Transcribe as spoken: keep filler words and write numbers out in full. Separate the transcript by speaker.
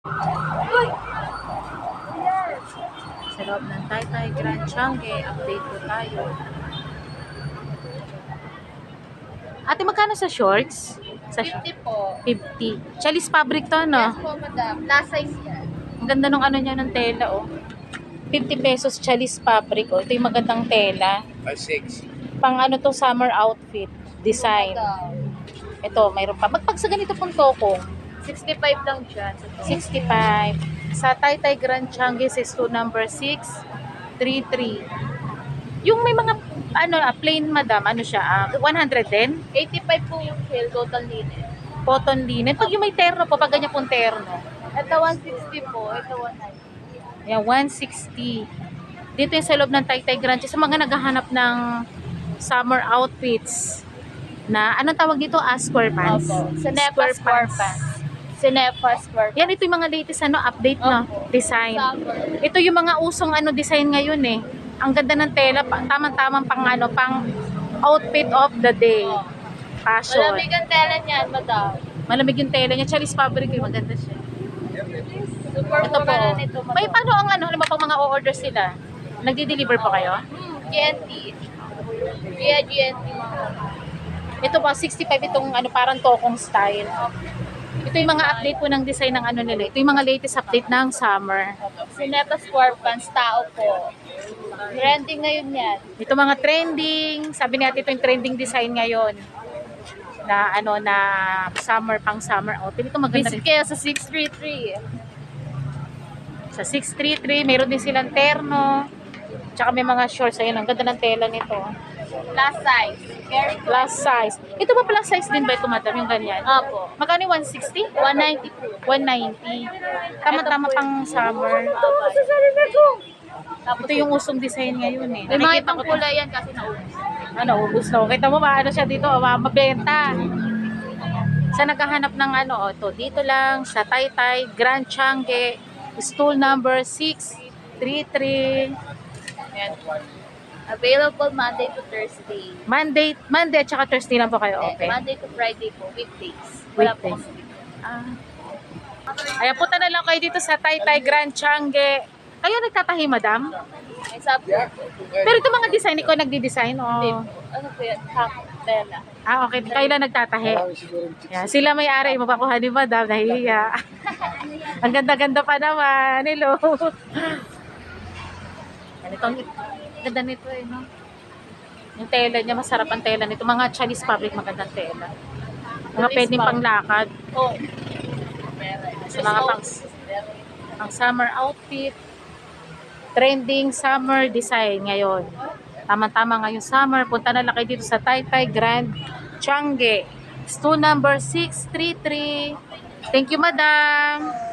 Speaker 1: Sa loob ng Taytay Grand Changi, update po tayo. Ate, magkano sa shorts? Sa
Speaker 2: fifty po.
Speaker 1: fifty. Chalis fabric to, no?
Speaker 2: Yes po, madam. Plus size yan.
Speaker 1: Ang ganda nung ano niya ng tela, oh. fifty pesos chalis fabric, oh. Ito yung magandang tela.
Speaker 3: five six.
Speaker 1: Pang ano to, summer outfit. Design.
Speaker 2: Madam.
Speaker 1: Ito, mayroon pa. Magpag sa ganito pong tokong.
Speaker 2: sixty-five lang dyan.
Speaker 1: sixty-five. Sa Taytay Grand Changi, to number six three three. Yung may mga, ano, ah, plain madam, ano siya, ah, one hundred din?
Speaker 2: eighty-five po yung sale, total linen.
Speaker 1: Cotton linen. Pag yung may terno po, pag ganyan pong terno.
Speaker 2: Ito one sixty po, ito one ninety.
Speaker 1: Ayan, one sixty. Dito yung sa loob ng Taytay Grand Changi, sa mga naghahanap ng summer outfits na, anong tawag dito? Ah, square pants.
Speaker 2: Opo. Sinepa square pants. Sinepa square pants.
Speaker 1: Yan, ito yung mga latest ano, update na
Speaker 2: Opo.
Speaker 1: design.
Speaker 2: Summer.
Speaker 1: Ito yung mga usong ano design ngayon eh. Ang ganda ng tela, pa- tamang-tamang pang ano, pang outfit of the day.
Speaker 2: Oh.
Speaker 1: Fashion.
Speaker 2: Malamig ang tela niyan, madam.
Speaker 1: Malamig yung tela niya. Charis fabric eh, maganda siya.
Speaker 2: Super
Speaker 1: Ito po.
Speaker 2: mura na nito, madam.
Speaker 1: May paano ang ano, halimbawa pang mga o-order sila? Nagdi-deliver po kayo?
Speaker 2: Hmm, G N T. Via G N T.
Speaker 1: Ito po, sixty-five itong ano, parang tokong style. Ito yung mga update po ng design ng ano nila. Ito yung mga latest update ng summer.
Speaker 2: Sinepa square pants, tao po. Trending ngayon yan.
Speaker 1: Ito mga trending, sabi natin ito yung trending design ngayon. Na ano na summer pang summer outfit. Ito maganda
Speaker 2: Visit
Speaker 1: rin.
Speaker 2: kayo sa six three three.
Speaker 1: Sa six three three, meron din silang terno. Tsaka may mga shorts. Ayun, ang ganda ng tela nito.
Speaker 2: Plus size. Very good.
Speaker 1: Plus size. Ito ba plus size din ba ito, madam? Yung ganyan?
Speaker 2: Opo.
Speaker 1: Magkano yung one sixty?
Speaker 2: one ninety po.
Speaker 1: one ninety. Tama-tama pang summer.
Speaker 2: Tapos
Speaker 1: Ito yung usong design ngayon eh.
Speaker 2: may mga
Speaker 1: Nakikita
Speaker 2: ibang
Speaker 1: ko to.
Speaker 2: kulay yan kasi naubos.
Speaker 1: Ano, ubus na. Kita mo ba, ano siya dito, ah, mabenta. Sa naghahanap ng ano, oh, to, dito lang, sa Taytay, Grand Changi, stool number six three three.
Speaker 2: Ayan. Available Monday to Thursday.
Speaker 1: Monday, Monday at saka Thursday lang po kayo, okay?
Speaker 2: Monday to Friday po, weekdays. Wala po
Speaker 1: Weekdays.
Speaker 2: kami.
Speaker 1: Ah. Ayan, punta na lang kayo dito sa Taytay, Grand Changi. Kayo nagtatahi, madam?
Speaker 2: May sabi po.
Speaker 1: Pero ito mga design, ikaw nagdi-design,
Speaker 2: Hindi
Speaker 1: oh.
Speaker 2: po. Ano po yan? Hack. Tela.
Speaker 1: Ah, okay. Kayo lang nagtatahi. Yan. Sila may-ari, mapakuha ni madam, nahihiya. Ang ganda-ganda pa naman. Hello. Yan, ito, ang ganda nito eh, no? Yung tela niya, masarap ang tela nito. Mga Chinese fabric, magandang tela. Mga
Speaker 2: Chinese
Speaker 1: pwedeng
Speaker 2: fabric.
Speaker 1: panglakad.
Speaker 2: Oh.
Speaker 1: Sa mga pang, pang summer outfit. Trending summer design ngayon. Tama-tama ngayon summer. Punta na lang kayo dito sa Taytay Grand Changi. Stool number six three three. Thank you, madam.